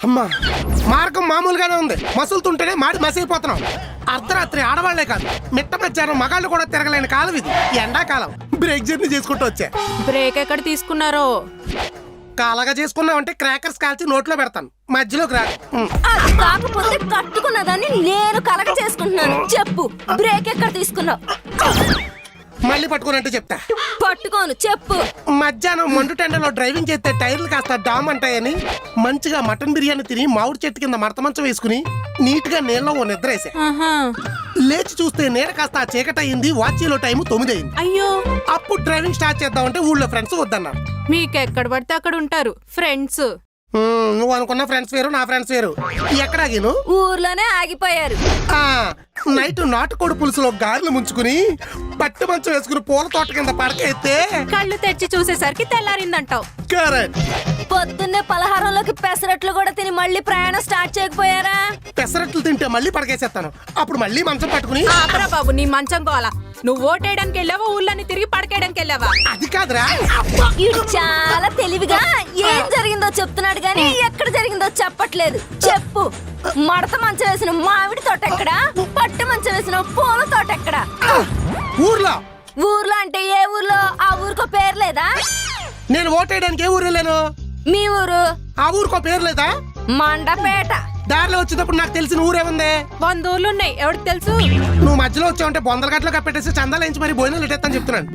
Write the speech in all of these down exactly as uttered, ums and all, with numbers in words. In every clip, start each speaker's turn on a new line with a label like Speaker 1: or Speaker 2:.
Speaker 1: అమ్మా మార్గం మామూలుగానే ఉంది, మసులుతుంటేనే మాడి మసిలిపోతున్నాం. అర్ధరాత్రి ఆడవాళ్లే కాదు, మిట్ట మధ్యాహ్నం మగాళ్ళు కూడా తిరగలేని కాలం ఇది. ఎండాకాలం బ్రేక్ జర్నీ చేసుకుంటూ వచ్చా.
Speaker 2: బ్రేక్ ఎక్కడ తీసుకున్నారో?
Speaker 1: కాలగా చేసుకున్నావంటే క్రాకర్స్ కాల్చి నోట్లో పెడతాను, మధ్యలోకి రా.
Speaker 3: కాకపోతే కట్టుకున్నదాన్ని నేను కలగ చేసుకుంటున్నాను. చెప్పు, బ్రేక్ ఎక్కడ తీసుకున్నావు?
Speaker 1: మళ్ళీ పట్టుకున్నట్టు చెప్తా.
Speaker 3: పట్టుకోను, చెప్పు.
Speaker 1: మధ్యాహ్నం మండు టెండలో డ్రైవింగ్ చేస్తే టైర్లు కాస్త డామ్ అంటాయని మంచిగా మటన్ బిర్యానీ తిని మామిడి చెట్టు కింద మడత మంచం వేసుకుని నీట్ గా నీళ్ళలో ఓ నిద్ర వేసా. లేచి చూస్తే నీడ కాస్త చీకటి అయింది. వాచీలో టైం తొమ్మిది అయింది.
Speaker 2: అయ్యో,
Speaker 1: అప్పుడు డ్రైవింగ్ స్టార్ట్ చేద్దామంటే ఊళ్ళో ఫ్రెండ్స్ వద్దన్నారు.
Speaker 2: మీకెక్కడ పడితే అక్కడ ఉంటారు ఫ్రెండ్స్.
Speaker 1: నువ్వు అనుకున్న ఫ్రెండ్స్ వేరు, నా ఫ్రెండ్స్ వేరు. ఎక్కడ ఆగిను?
Speaker 3: ఊర్లోనే ఆగిపోయారు.
Speaker 1: ఆ నైట్ నాటుకోడి పులుసులో గారెలు ముంచుకుని పట్టు మంచం వేసుకుని పూల తోట కింద పడక ఎత్తే
Speaker 2: కళ్ళు తెచ్చి చూసేసరికి తెల్లారిందంటావు.
Speaker 1: కరెక్ట్.
Speaker 3: పొద్దున్నే పలహారంలోకి పెసరట్లు కూడా తిని మళ్ళీ ప్రయాణం స్టార్ట్ చేయకపోయారా?
Speaker 1: పెసరట్లు తింటే మళ్ళీ పడకేసేస్తాను. అప్పుడు మళ్ళీ మంచం పట్టుకుని
Speaker 2: ఆపరా బాబు నీ మంచం కోలా. నువ్వు ఓటేయడానికి వెళ్ళావా, ఊళ్ళని తిరిగి పడకేయడానికి వెళ్ళావా?
Speaker 1: అది కాదురా.
Speaker 3: ఇడు చాలా తెలివిగా ఏం జరిగిందో చెప్తున్నాడు గానీ ఎక్కడ జరిగిందో చెప్పట్లేదు. చెప్పు, మడత మంచం వేసిన మామిడి తోట ఎక్కడా? పట్టు మంచం వేసిన పూల తోట ఎక్కడా?
Speaker 1: ఊర్లో.
Speaker 3: ఊర్లో అంటే ఏ ఊర్లో? ఆ ఊరికో పేరు లేదా?
Speaker 1: నేను ఓటేయడానికి ఏ ఊరు వెళ్ళాను?
Speaker 3: మీ ఊరు.
Speaker 1: ఆ ఊరికో పేరు లేదా?
Speaker 3: మండపేట.
Speaker 1: దారిలో వచ్చేటప్పుడు నాకు తెలిసిన ఊరేముంది?
Speaker 2: వంద ఊర్లు ఉన్నాయి, ఎవరికి తెలుసు?
Speaker 1: నువ్వు మధ్యలో వచ్చావంటే బొందల గట్లో కప్పెట్టేసి చందాలు ఎంచి మరి భోజనాలు ఎట్టేస్తాను చెప్తున్నాను.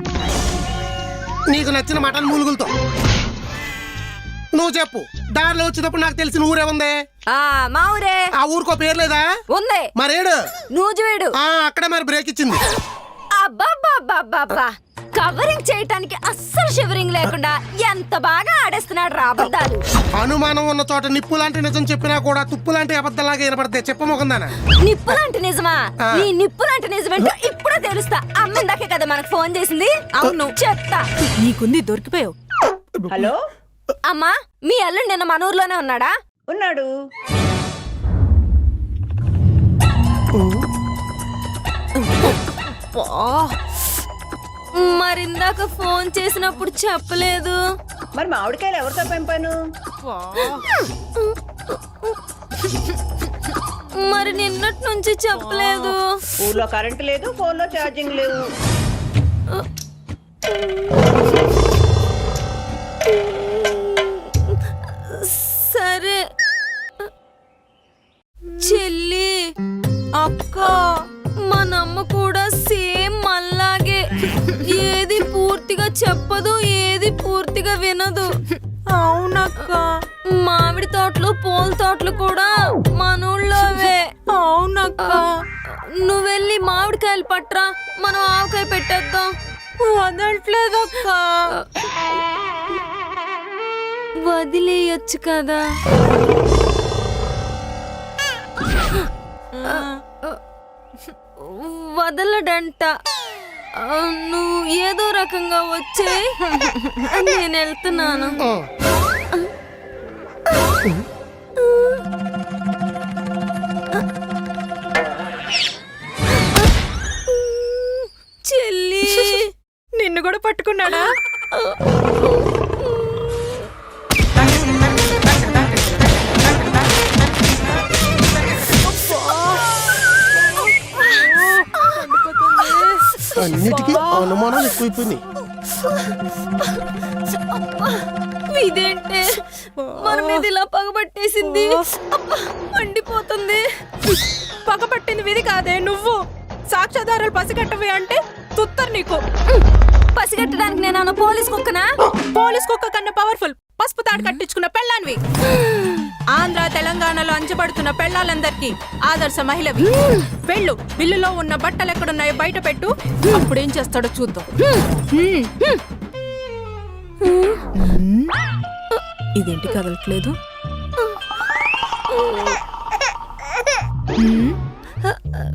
Speaker 1: నీకు నచ్చిన మటన్ మూలుగులతో. నువ్వు చెప్పు, దారిలో వచ్చేటప్పుడు నాకు తెలిసిన ఊరేముంది?
Speaker 3: ఆ మా ఊరే.
Speaker 1: ఆ ఊరికో పేరు లేదా?
Speaker 3: ఉంది.
Speaker 1: మరేడు?
Speaker 3: నూజివీడు.
Speaker 1: ఆ అక్కడే మరి బ్రేక్ ఇచ్చింది.
Speaker 3: అబ్బబ్బబ్బబ్బబ్బా, కవరింగ్ చేయటానికి అస్సలు షివరింగ్ లేకుండా ఎంత బాగా ఆడేస్తున్నాడు రా అబద్ధాలు.
Speaker 1: అనుమానం ఉన్న చోట నిప్పు లాంటి నిజం చెప్పినా కూడా తుప్పు లాంటి అబద్ధాలాగా వినపడతాయి. చెప్పమోకుందానా?
Speaker 3: నిప్పు లాంటి నిజమా? ఈ నిప్పు లాంటి నిజమేంటో ఇప్పుడే తెలుస్తా. అమ్మిందాకే కదా మనకు ఫోన్ చేసింది. అవును చెప్తా.
Speaker 2: నీకుంది, దొరికిపోయావు.
Speaker 4: హలో
Speaker 3: అమ్మా, మీ అల్లుడు నిన్న మన ఊర్లోనే ఉన్నాడా?
Speaker 4: ఉన్నాడు.
Speaker 3: మరిందాక ఫోన్ చేసినప్పుడు చెప్పలేదు.
Speaker 4: మరి మామిడికాయలు ఎవరితో పెంపాను?
Speaker 3: మరి నిన్నటి నుంచి చెప్పలేదు.
Speaker 4: ఊర్లో కరెంట్ లేదు, ఫోన్లో ఛార్జింగ్ లేవు.
Speaker 3: సరే చెల్లి, అక్క, మనమ్మ కూడా సేమ్ మళ్ళాగే. ఏది పూర్తిగా చెప్పదు, ఏది పూర్తిగా వినదు.
Speaker 2: అవునక్క.
Speaker 3: మామిడి తోటలు పూల తోటలు కూడా మనూళ్ళోవే.
Speaker 2: అవునక్క.
Speaker 3: నువ్వెళ్ళి మామిడికాయలు పట్రా, మనం ఆవకాయ పెట్టేద్దాం.
Speaker 2: వదలట్లేదక్క.
Speaker 3: వదిలేయచ్చు కదా. వదలడంట. నువ్వు ఏదో రకంగా వచ్చే, నేను వెళ్తున్నాను. చెల్లి,
Speaker 2: నిన్ను కూడా పట్టుకున్నాడా?
Speaker 1: అన్నిటికీ అనుమానాలు ఎక్కువైపోయినాయి.
Speaker 3: ఇదేంటే మన మీద ఇలా పగబట్టేసింది. మండిపోతుంది.
Speaker 2: పగపట్టింది విధి కాదే, నువ్వు. సాక్ష్యాధారాలు పసిగట్టవి అంటే తుత్తరు నీకు.
Speaker 3: పసిగట్టడానికి నేను పోలీస్ కుక్కనా?
Speaker 2: పోలీస్ కుక్క కన్నా పవర్ఫుల్ పసుపు తాడు కట్టించుకున్న పెళ్ళాన్వి. ఆంధ్ర తెలంగాణలో అంచబడుతున్న పెళ్ళాలందరికీ ఆదర్శ మహిళవి. వెళ్ళు, బిల్లులో ఉన్న బట్టలు ఎక్కడున్నాయో బయట పెట్టు. అప్పుడేం చేస్తాడో చూద్దాం. ఇదేంటి కదలట్లేదు?